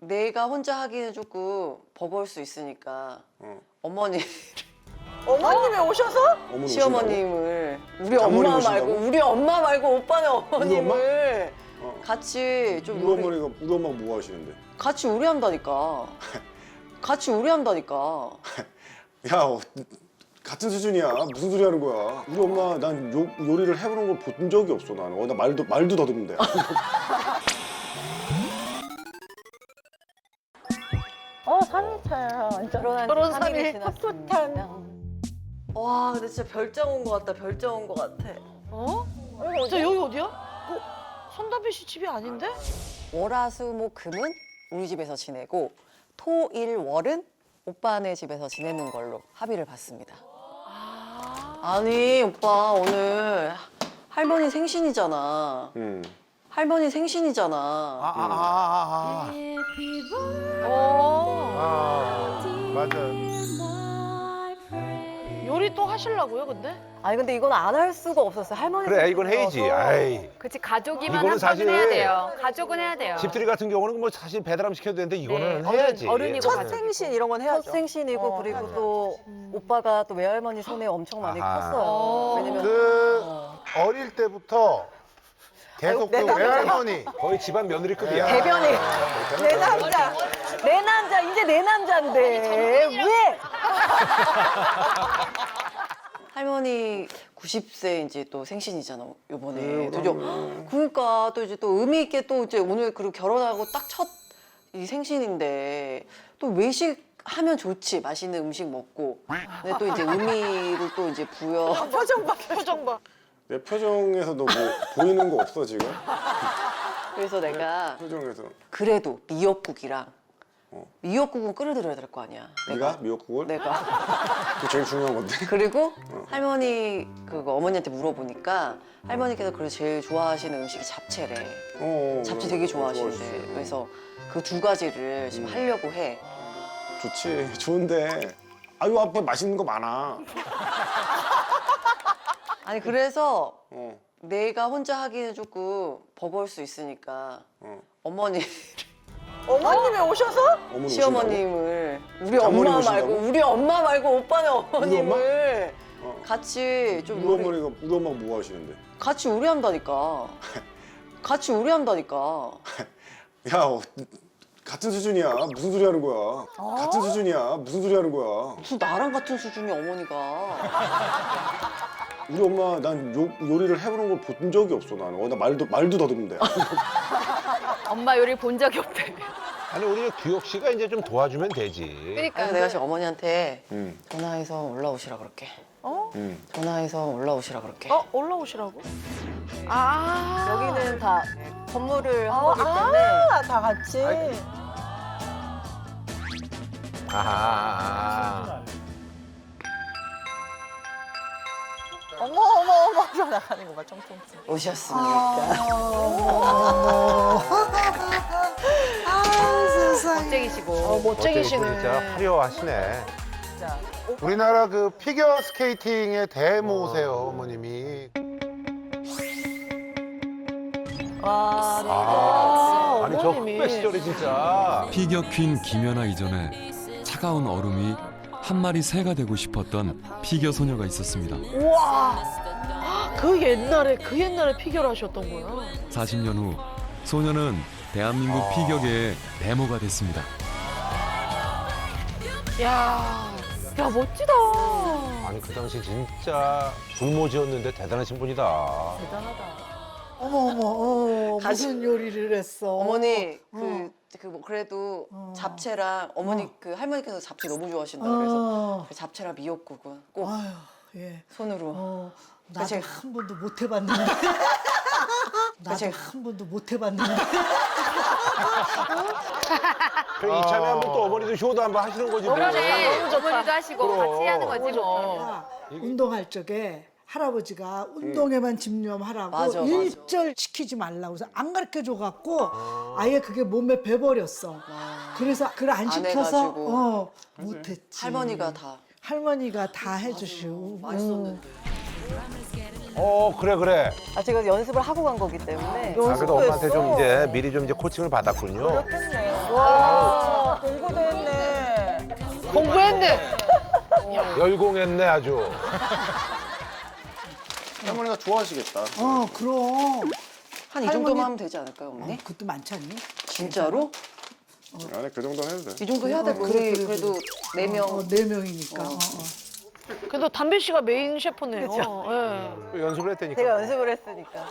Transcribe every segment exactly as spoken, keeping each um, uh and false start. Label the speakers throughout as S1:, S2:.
S1: 내가 혼자 하기는 조금 버거울 수 있으니까
S2: 어.
S1: 어머니
S3: 어머님이 오셔서?
S2: 어머니
S1: 시어머님을 우리
S2: 장모님
S1: 엄마
S2: 오신다고?
S1: 말고 우리 엄마 말고 오빠네 어머님을
S2: 어.
S1: 같이 좀
S2: 우리
S1: 요리
S2: 어머니가 우리 엄마가 뭐 하시는데?
S1: 같이 요리한다니까. 같이 요리한다니까.
S2: 야 어, 같은 수준이야. 무슨 소리 하는 거야? 우리 엄마 난 요, 요리를 해보는 걸 본 적이 없어 나는. 어, 나 말도 말도 더듬는데.
S3: 어, 삼 일차야. 완전.
S4: 결혼한
S3: 결혼
S4: 지
S3: 삼
S4: 삼 일이
S3: 일
S4: 지났습니다.
S3: 풋풋한.
S1: 와 근데 진짜 별장 온 것 같다. 별장 온 것 같아.
S3: 어? 저 여기 어디야? 어? 손담비 씨 집이 아닌데?
S1: 월화수목금은 우리 집에서 지내고 토일월은 오빠네 집에서 지내는 걸로 합의를 봤습니다. 아니 오빠 오늘 할머니 생신이잖아.
S2: 음.
S1: 할머니 생신이잖아.
S5: 아, 아, 아, 아,
S3: 어.
S5: 아. 아, 맞아.
S3: 요리 또 하시려고요, 근데?
S4: 아니 근데 이건 안 할 수가 없었어요. 할머니.
S5: 그래, 이건 해야지. 아이.
S6: 그치 가족이만
S5: 이거는
S6: 한
S5: 사실
S6: 번은 해야 돼요. 가족은 해야 돼요.
S5: 집들이 같은 경우는 뭐 사실 배달하면 시켜도 되는데 이거는
S6: 네,
S5: 해야지.
S6: 어른이고
S3: 첫
S6: 가족.
S3: 생신 이런 건 해야죠.
S4: 첫 생신이고
S3: 어,
S4: 그리고
S3: 해야죠.
S4: 또 오빠가 또 외할머니 손에 엄청 많이
S5: 아하.
S4: 컸어요.
S3: 어.
S4: 왜냐면
S5: 그
S4: 어.
S5: 어릴 때부터 계속 그
S3: 아이고, 내
S5: 외할머니 거의 집안 며느리급이야.
S4: 대변이 내 남자 내 남자 이제 내 남자인데 왜?
S1: 할머니 구십 세 이제 또 생신이잖아 요번에.
S2: 네,
S1: 또 이제 그러니까 또 이제 또 의미 있게 또 이제 오늘 그리고 결혼하고 딱 첫 이 생신인데 또 외식하면 좋지. 맛있는 음식 먹고. 근데 또 이제 의미를 또 이제 부여.
S3: 표정 봐, 표정 봐.
S2: 내 표정에서도 뭐 보이는 거 없어 지금?
S1: 그래서 내가
S2: 표정에서.
S1: 그래도 미역국이랑
S2: 어.
S1: 미역국은 끓여드려야 될 거 아니야.
S2: 네가 미역국을?
S1: 내가.
S2: 그게 제일 중요한 건데.
S1: 그리고 할머니 그거 어머니한테 물어보니까 할머니께서 그래도 제일 좋아하시는 음식이 잡채래.
S2: 어, 어,
S1: 잡채
S2: 그래.
S1: 되게
S2: 어,
S1: 좋아하시는데
S2: 좋아하시지.
S1: 그래서 그 두 가지를 지금
S2: 음.
S1: 하려고 해.
S2: 좋지. 좋은데. 아유 앞에 맛있는 거 많아.
S1: 아니 그래서
S2: 어.
S1: 내가 혼자 하기는 조금 버거울 수 있으니까
S2: 어.
S1: 어머니
S3: 어머님이 오셔서?
S2: 어머니
S1: 시어머님을 우리
S2: 장모님
S1: 엄마
S2: 오신다고?
S1: 말고 우리 엄마 말고 오빠네 어머님을
S2: 어.
S1: 같이 좀
S2: 우리
S1: 요리,
S2: 어머니가 우리 엄마가 뭐 하시는데?
S1: 같이 요리한다니까. 같이 요리한다니까.
S2: 야 어, 같은 수준이야. 무슨 소리 하는 거야? 같은 수준이야. 무슨 소리 하는 거야?
S1: 무슨 나랑 같은 수준이 어머니가.
S2: 우리 엄마 난 요, 요리를 해보는 걸 본 적이 없어 나는. 어, 나 말도 말도 더듬는데.
S6: 엄마 요리 본 적이 없대.
S5: 아니 우리 규혁 씨가 이제 좀 도와주면 되지.
S6: 그러니까
S1: 그래서 내가 지금 어머니한테
S2: 응.
S1: 전화해서 올라오시라 그럴게.
S3: 어?
S2: 응.
S1: 전화해서 올라오시라 그럴게.
S3: 어? 올라오시라고? 아.
S4: 여기는 다 건물을 한
S3: 아,
S4: 거기 때문에
S3: 아, 다 같이.
S5: 아이. 아하.
S3: 어머, 어머, 어머. 하면서 나가는 거 봐, 쫑쫑쫑.
S1: 오셨습니까?
S3: 아, 세상에.
S6: 멋쟁이시고.
S3: 어, 멋쟁이시네.
S5: 진짜 화려하시네.
S3: 진짜.
S5: 우리나라 그 피겨 스케이팅의 대모세요 어머님이.
S3: 와,
S5: 아, 아니 저
S3: 어머님이.
S5: 후배 시절에 진짜.
S7: 피겨 퀸 김연아 이전에 차가운 얼음이 한 마리 새가 되고 싶었던 피겨 소녀가 있었습니다.
S3: 우와. 그 옛날에, 그 옛날에 피겨를 하셨던 거야.
S7: 사십 년 후 소녀는 대한민국
S5: 아.
S7: 피겨계의 데모가 됐습니다.
S3: 야, 야, 멋지다.
S5: 아니 그 당시 진짜 불모지였는데 대단하신 분이다.
S3: 대단하다.
S8: 어머 어머 어,
S1: 다시-
S8: 무슨 요리를 했어?
S1: 어머니
S8: 어.
S1: 그, 그 뭐 그래도
S8: 어.
S1: 잡채랑 어머니
S8: 어.
S1: 그 할머니께서 잡채 너무 좋아하신다 그래서
S8: 어.
S1: 그 잡채랑 미역국은 꼭
S8: 아유 예.
S1: 손으로.
S8: 어, 나도
S1: 제가-
S8: 한 번도 못 해봤는데. 나도
S1: 제가-
S8: 한 번도 못 해봤는데.
S5: 그 이참에 한번 또 어머니도 효도 한번 하시는 거지 뭐.
S6: 그러네. 어머니도 하시고
S5: 그럼.
S6: 같이 하는 거지 뭐.
S8: 아, 운동할 적에 할아버지가 운동에만 집념하라고
S1: 맞아, 맞아.
S8: 일절 시키지 말라고 해서 안 가르쳐 줘갖고 아예 그게 몸에 배버렸어. 그래서 그걸 안
S1: 안
S8: 시켜서
S1: 해가지고.
S8: 어, 못했지.
S1: 할머니가 다
S8: 할머니가 다 해주시고.
S1: 맛있었는데.
S5: 어 그래 그래.
S4: 아 제가 연습을 하고 간 거기 때문에
S5: 아 그래도 엄마한테 좀 이제 미리 좀 이제 코칭을 받았군요.
S3: 그렇겠네. 와. 열공했네.
S5: 열공했네 아주.
S2: 할머니가 좋아하시겠다.
S8: 어 그럼.
S1: 한 이
S8: 할머니-
S1: 정도만 하면 되지 않을까요, 어머니?
S8: 어, 그것도 많지 않니?
S1: 진짜로?
S2: 아니 그 정도는 해도 돼.
S1: 이 정도 해야 될
S8: 어,
S1: 거.
S8: 그래,
S1: 그래,
S8: 그래,
S1: 그래도 네 명.
S8: 어, 네 명이니까. 어, 어.
S3: 그래도 담배 씨가 메인 셰프네요. 예.
S5: 연습을 했다니까.
S4: 제가 연습을 했으니까.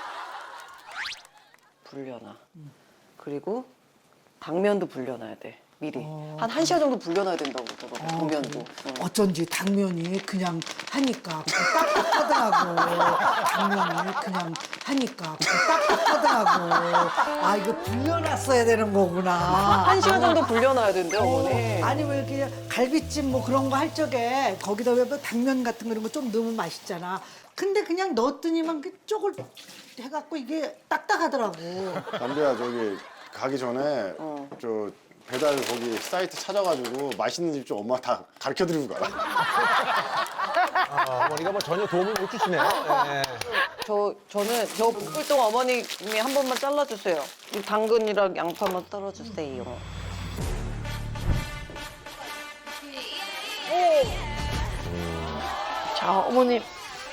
S1: 불려놔. 그리고 당면도 불려놔야 돼. 미리. 한 1시간 정도 불려놔야 된다고 그러더라고. 당면도. 응.
S8: 어쩐지 당면이 그냥 하니까 딱딱하더라고. 당면이 그냥 하니까 딱딱하더라고. 아 이거 불려놨어야 되는 거구나.
S1: 한 시간 정도 불려놔야 된대요, 어머니.
S8: 아니 왜 이렇게 갈비찜 뭐 그런 거 할 적에 거기다 왜 당면 같은 거 이런 거 좀 넣으면 맛있잖아. 근데 그냥 넣었더니만 그 쪽을 해갖고 이게 딱딱하더라고.
S2: 담배야 저기 가기 전에
S1: 어.
S2: 저 배달 거기 사이트 찾아가지고 맛있는 집 좀 엄마 다 가르쳐 드리고 가라.
S5: 아, 어머니가 뭐 전혀 도움을 못 주시네요. 예.
S1: 저, 저는 저 볶을 동안 어머님이 한 번만 잘라주세요. 이 당근이랑 양파만 떨어주세요.
S3: 자, 어머님.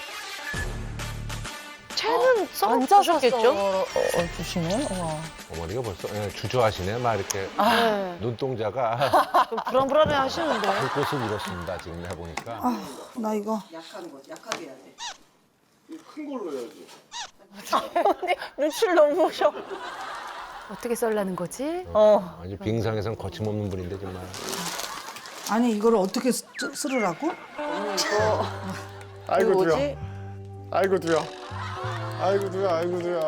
S3: 채는 썰어주셨겠죠?
S4: 주시네.
S5: 어머니가 벌써 예, 주저하시네. 막 이렇게
S3: 네.
S5: 눈동자가
S3: 좀 불안불안해 하시는데.
S5: 불꽃을 잃었습니다. 지금 해보니까.
S8: 나 이거
S1: 약한 거지, 약하게 해야 돼.
S2: 큰 걸로 해야지.
S4: 눈치를 너무 보셔.
S6: 어떻게 썰라는 거지?
S4: 어.
S5: 아주 빙상에선 거침없는 분인데 정말.
S8: 아니 이거를 어떻게 쓰, 쓰르라고?
S1: 어머니 이거
S2: 아이고
S1: 그
S2: 두야.
S1: 뭐지?
S2: 아이고 두야. 아이고 두야. 아이고 두야.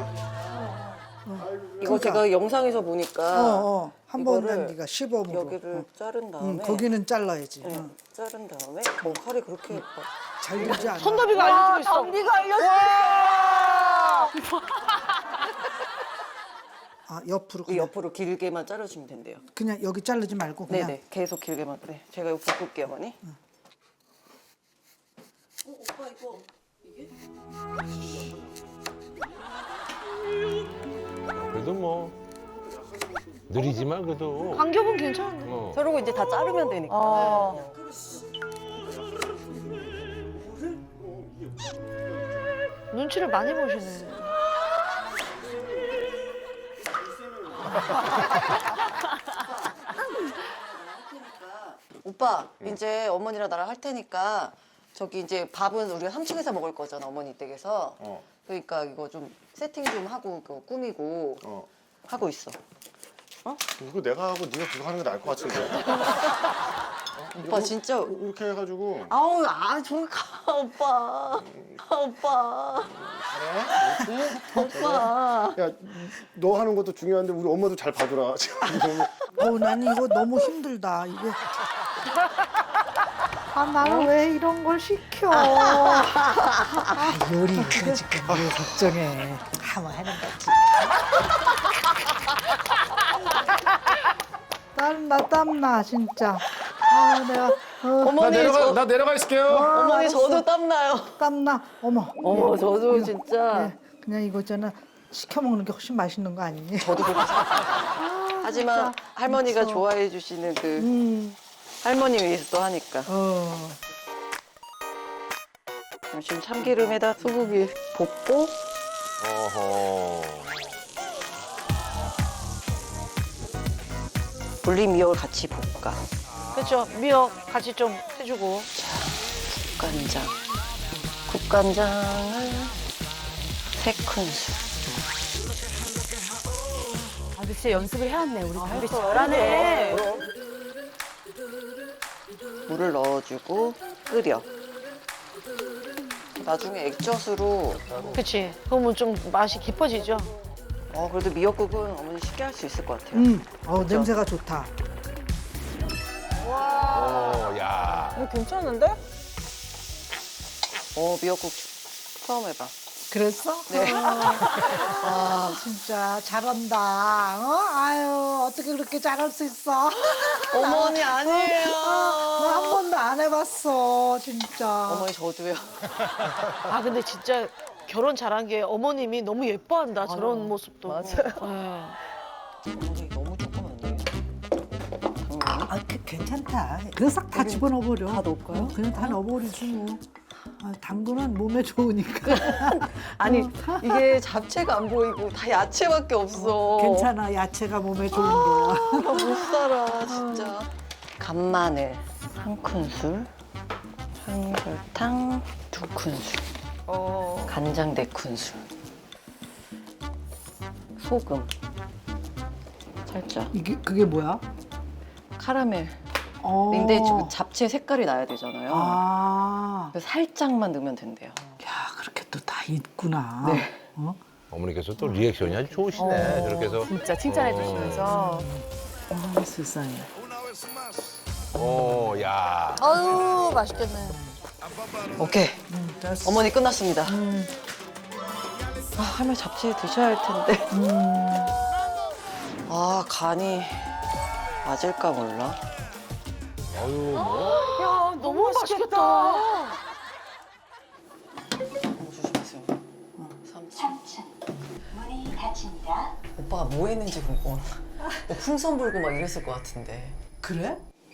S1: 이거
S8: 그러니까.
S1: 제가 영상에서 보니까
S8: 어어 한 번은
S1: 이거를
S8: 네가 시범으로.
S1: 여기를
S8: 어.
S1: 자른 다음에
S8: 응, 거기는 잘라야지.
S1: 네,
S8: 어.
S1: 자른 다음에 어, 칼이 그렇게 막
S8: 잘 되지 않아.
S3: 손잡이가 알려주고 있어.
S4: 담비가 알려줬어.
S8: 아 옆으로
S1: 이
S8: 그냥,
S1: 옆으로 길게만 자르시면 된대요.
S8: 그냥 여기 자르지 말고 그냥.
S1: 네네, 계속 길게만. 네, 제가 이거 볶을게요, 어머니. 어, 오빠 이거 이게?
S5: 그래도 뭐 느리지만 그래도.
S3: 간격은 괜찮은데.
S5: 어.
S1: 저러고 이제 다 자르면 되니까.
S4: 어.
S3: 눈치를 많이 보시네.
S1: 오빠, 이제 어머니랑 나랑 할 테니까 저기 이제 밥은 우리가 삼 층에서 먹을 거잖아, 어머니 댁에서.
S2: 어.
S1: 그러니까 이거 좀 세팅 좀 하고 그거 꾸미고
S2: 어.
S1: 하고 있어.
S2: 이거 내가 하고 네가 그거 하는 게 나을 것 같은데.
S1: 오빠 진짜
S2: 이렇게 해가지고.
S1: 아우 아 저기 가 오빠 아, 오빠 오빠
S2: 야, 너 하는 것도 중요한데 우리 엄마도 잘 봐주라. 지금 너무
S8: 어우 난 이거 너무 힘들다 이게. 아 나는 왜 이런 걸 시켜? 아 요리니까 지금 왜 걱정해? 하면 하는 거지. 땀나 땀나 진짜. 아 내가 어,
S1: 어머니 저,
S2: 나 내려가 있을게요.
S1: 어머니
S8: 알았어.
S1: 저도 땀나요.
S8: 땀나. 어머.
S1: 어머 저도 진짜
S8: 네, 그냥 이거 있잖아 시켜 먹는 게 훨씬 맛있는 거 아니니?
S1: 저도 그렇게 생각해요. 하지만 할머니가
S8: 미쳐.
S1: 좋아해 주시는 그
S8: 음.
S1: 할머니 위해서 또 하니까
S8: 어.
S1: 지금 참기름에다 소고기 볶고
S5: 어허.
S1: 불린 미역을 같이 볶아.
S3: 그렇죠. 미역 같이 좀 해주고.
S1: 국간장 국간장을 세 큰술.
S6: 아, 근데 진짜 연습을 해왔네, 우리 담비 씨.
S1: 잘하네. 물을 넣어주고 끓여. 나중에 액젓으로
S3: 그치. 그러면 좀 맛이 깊어지죠.
S1: 어 그래도 미역국은 어머니 쉽게 할 수 있을 것 같아요.
S8: 음. 어 냄새가 좋다.
S5: 어, 야.
S4: 이거 괜찮은데?
S1: 어 미역국 처음 해봐.
S8: 그랬어?
S1: 네.
S8: 아 진짜 잘한다. 어? 아유 어떻게 그렇게 잘할 수 있어?
S1: 어머니 아니에요.
S8: 나 한 번도 안 해봤어 진짜.
S1: 어머니 저도요.
S3: 아, 근데 진짜 결혼 잘한 게 어머님이 너무 예뻐한다. 저런 모습도.
S1: 맞아요.
S3: 네.
S1: 어머니 너무 조금 안 돼요. 당면이?
S8: 아, 그, 괜찮다. 그냥 싹 다 집어넣어버려.
S1: 다 넣을까요?
S8: 어, 그냥 다 넣어버리지 뭐. 아, 당근은 몸에 좋으니까.
S1: 아니 이게 잡채가 안 보이고 다 야채밖에 없어.
S8: 괜찮아. 야채가 몸에 좋은 거야.
S1: 나 못 살아 진짜. 간마늘 한 큰술, 청설탕 두 큰술,
S3: 어.
S1: 간장 네 큰술, 소금 살짝,
S8: 이게 그게 뭐야?
S1: 카라멜.
S8: 어.
S1: 근데 지금 잡채 색깔이 나야 되잖아요.
S8: 아.
S1: 그래서 살짝만 넣으면 된대요.
S8: 야, 그렇게 또 다 있구나.
S1: 네.
S8: 어?
S5: 어머니께서 또 리액션이 아주 좋으시네. 저렇게 해서.
S6: 진짜 칭찬해 주시면서.
S8: 어, 세상에.
S5: 어, 야.
S3: 아유 맛있겠네.
S1: 오케이.
S8: 음, 됐어.
S1: 어머니 끝났습니다.
S8: 음.
S1: 아, 할머니 잡채 드셔야 할 텐데.
S8: 음.
S1: 아, 간이 맞을까 몰라.
S5: 아유, 뭐.
S3: 야 너무 맛있겠다.
S1: 너무 조심하세요. 어, 삼 층. 문이 닫힙니다. 오빠가 뭐 했는지 궁금하다. 뭐 풍선 불고 막 이랬을 것 같은데.
S8: 그래?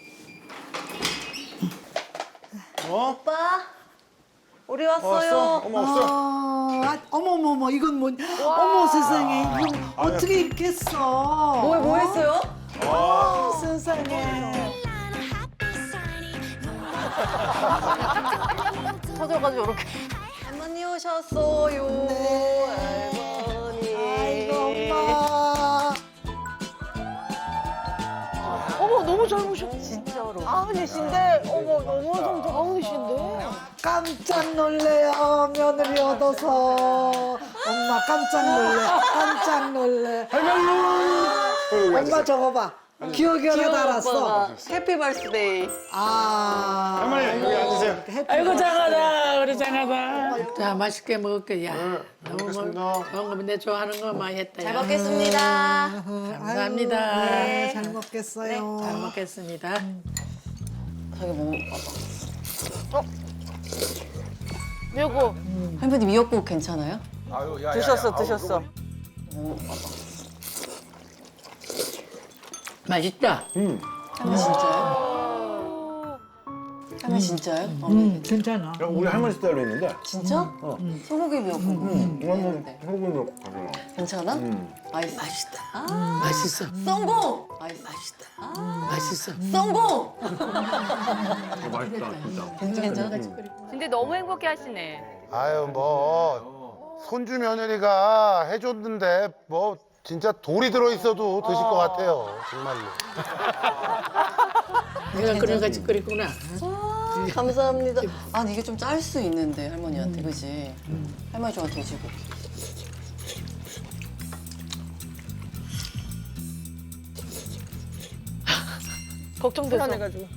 S2: 어?
S1: 오빠, 우리
S2: 왔어?
S1: 왔어요.
S2: 어머 없어.
S8: 아, 어머머머, 이건 뭐, 어머 세상에, 이거 어떻게 이렇게 했어?
S1: 뭐, 뭐 했어요?
S8: 어, 세상에.
S3: 터져가지고 이렇게.
S1: 할머니 오셨어요.
S8: 네.
S1: 할머니.
S8: 아이고, 엄마.
S3: 어머 너무 젊으셨.
S1: 진짜로.
S3: 아흔이신데 어머 너무 젊다. 아흔이신데.
S8: 깜짝 놀래요, 며느리 얻어서. 엄마 깜짝 놀래, 깜짝 놀래. 엄마 저거 봐. 기억이 하나 달았어.
S1: 해피 벌스데이.
S8: 아.
S2: 할머니 여기 앉으세요.
S8: 해피
S9: 아이고 장하다 우리 장하다. 자 맛있게 먹을게 야.
S2: 네,
S9: 너무 뭐,
S2: 먹겠습니다.
S9: 좋은 거면 내 좋아하는 거 많이 했다.
S1: 잘
S9: 야.
S1: 먹겠습니다.
S9: 감사합니다.
S8: 아유, 네, 잘 먹겠어요.
S9: 잘 먹겠습니다.
S1: 저기 뭐
S3: 미역국.
S1: 할머니 미역국 괜찮아요?
S5: 아유, 야, 야,
S3: 드셨어
S5: 야. 아우,
S3: 드셨어.
S9: 맛있다.
S2: 음.
S1: 할머니 진짜요? 할머니 진짜요? 어,
S8: 음, 괜찮아.
S2: 야, 우리 할머니 스타일로 했는데.
S1: 진짜? 소고기 미역국
S2: 음.
S1: 했는데
S2: 소금으로 가잖아.
S1: 괜찮아?
S2: 음.
S1: 맛있어. 맛있다.
S9: 맛있어.
S1: 성공. 맛있어. 맛있다.
S9: 맛있어.
S1: 성공.
S2: 어, 맛있다 진짜.
S1: 괜찮아?
S6: 근데 너무 행복해 하시네.
S5: 아유, 뭐. 손주 며느리가 해줬는데, 뭐, 진짜 돌이 들어있어도 드실 것 같아요. 정말로.
S9: 내가 그런 같이 끓였구나.
S1: 아, 감사합니다. 아니 이게 좀 짤 수 있는데 할머니한테 그지? 할머니 좋아하는 돼지고기.
S3: 걱정돼서. 해가지고.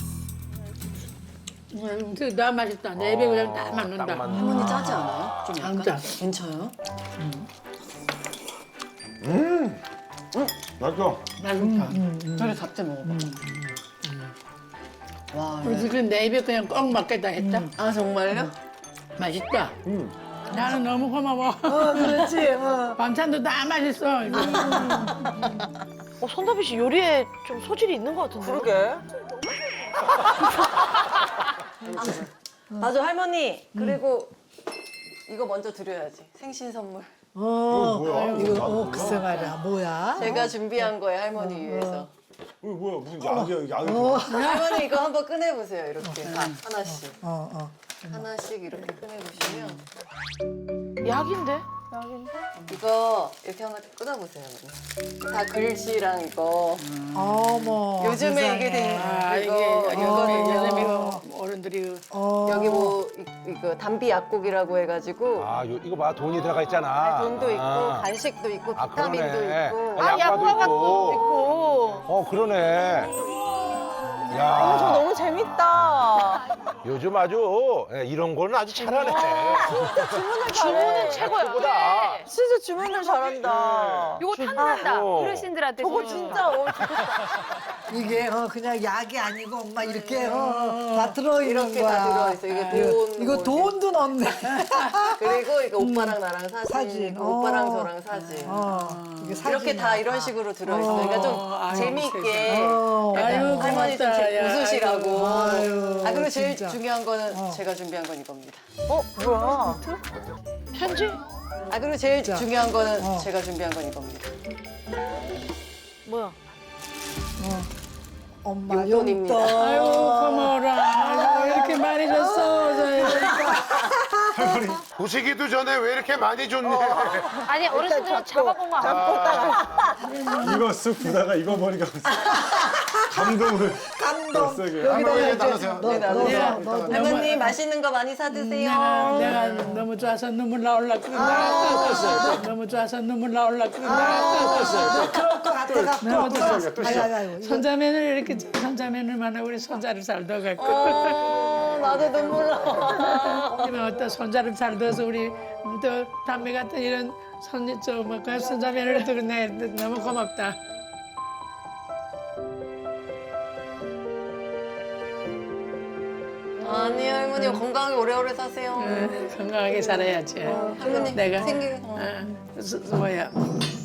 S9: 음, 나 맛있다. 내 입에 그냥 딱 맞는다.
S5: 딱 맞는.
S1: 할머니 짜지 않아요? 좀
S9: 안
S1: 약간?
S9: 짜.
S1: 괜찮아요?
S2: 맛있어.
S9: 맛있다.
S1: 저리 잡채 먹어봐. 와,
S9: 우리
S1: 이거-
S9: 집은 내 입에 그냥 꼭 맞겠다 했다.
S1: 아 정말요?
S9: 맛있다.
S2: 음.
S9: 나는 너무 고마워.
S8: 어, 그렇지. 어.
S9: 반찬도 다 맛있어. 이거.
S3: 어 손다비 씨 요리에 좀 소질이 있는 것 같은데. 그러게.
S1: 맞아 할머니. 그리고 이거 먼저 드려야지. 생신 선물.
S8: 어,
S2: 뭐야?
S8: 이거, 어, 글쎄 말이야. 뭐야?
S1: 제가 준비한 거예요 할머니 위해서.
S2: 이거 뭐야? 무슨 약이야? 약이.
S8: 어,
S1: 할머니 이거 한번 꺼내 보세요. 이렇게 아, 하나씩.
S8: 어, 어.
S1: 하나씩 이렇게 꺼내 보시면
S3: 약인데? 약인데?
S1: 이거 이렇게 한번 끊어 보세요. 다 글씨랑 이거.
S8: 어머.
S1: 요즘에
S8: 세상에.
S1: 이게 된
S9: 아 이게
S1: 이거
S9: 요즘에
S1: 이거는요.
S9: 요즘에 이거 어른들이
S8: 어.
S1: 여기 뭐 이- 이거 담비 약국이라고 해가지고
S5: 아, 요, 이거 봐. 돈이 들어가 있잖아.
S1: 돈도 있고
S5: 아.
S1: 간식도 있고
S5: 아,
S1: 비타민도
S5: 그러네.
S1: 있고.
S5: 아, 약과도 있고.
S3: 있고.
S5: 어, 그러네. 야.
S3: 저 너무 재밌다.
S5: 요즘 아주 예, 이런 거는 아주 잘하네.
S3: 주문은 최고야.
S5: 최고다.
S3: 진짜 주문을 잘한다.
S6: 이거 탐난다.
S5: 어.
S6: 어르신들한테.
S3: 저거
S6: 주는 거.
S3: 진짜 어, 좋겠다.
S8: 이게 어, 그냥 약이 아니고 엄마 이렇게 어, 다 들어있는
S1: 이렇게
S8: 거야.
S1: 다 들어있어. 이게 돈.
S8: 이거
S1: 뭐
S8: 돈도 넣네.
S1: 그리고 이거 오빠랑 나랑 사진,
S8: 사진.
S1: 이거 오빠랑
S8: 어.
S1: 저랑 사진.
S8: 어, 이게
S1: 이렇게
S8: 사진이야.
S1: 다 이런 식으로 들어있어. 그러니까 좀
S9: 어, 아유,
S1: 재미있게.
S8: 어.
S9: 아유,
S1: 할머니 할머니 좀
S9: 고맙다,
S1: 제-
S9: 야.
S1: 웃으시라고.
S8: 아유,
S1: 아 그리고 제일
S8: 진짜.
S1: 중요한 거는
S8: 어.
S1: 제가 준비한 건 이겁니다.
S4: 어 뭐야?
S3: 편지?
S1: 아 그리고 제일
S8: 자.
S1: 중요한 거는
S8: 어.
S1: 제가 준비한 건 이겁니다.
S3: 뭐야?
S8: 엄마
S1: 용돈입니다.
S8: 용돈.
S9: 아이고 고마워라. 아이고, 이렇게 많이 줬어.
S5: 보시기도 전에 왜 이렇게 많이 줬니?
S6: 아니 어르신들은 잡아본 거 아니에요?
S2: 이거 쓱 보다가 이거 머리가 감동을
S8: 감동.
S2: 세게.
S8: 여기다가
S2: 할머니
S8: 이제
S2: 따라세요.
S8: 너,
S1: 네,
S8: 너,
S1: 나누세요.
S8: 너, 너, 너.
S1: 할머니 맛있는 거 많이 사드세요.
S9: 내가, 내가 너무 좋아서 눈물 나올라 그런다. 너무 좋아서 눈물 나올라 그런다.
S8: 그럴 것 같아갖고.
S9: 너무 좋아서.
S8: 아유, 아유, 아유. 이거
S9: 손자매를 이렇게 손자매를 만나고 우리 손자를 잘 둬갖고.
S1: 어, 나도 눈물 나.
S9: 그러면 어떤 손자를 잘 둬서 우리 또 담배 같은 이런 손, 저, 뭐, 그 손자매를 두고 내 너무 고맙다.
S1: 아니 할머니 건강하게 오래오래 사세요.
S9: 어, 건강하게 살아야지.
S1: 할머니
S9: 내가
S1: 생일 어.
S9: 어, 수- 수- 뭐야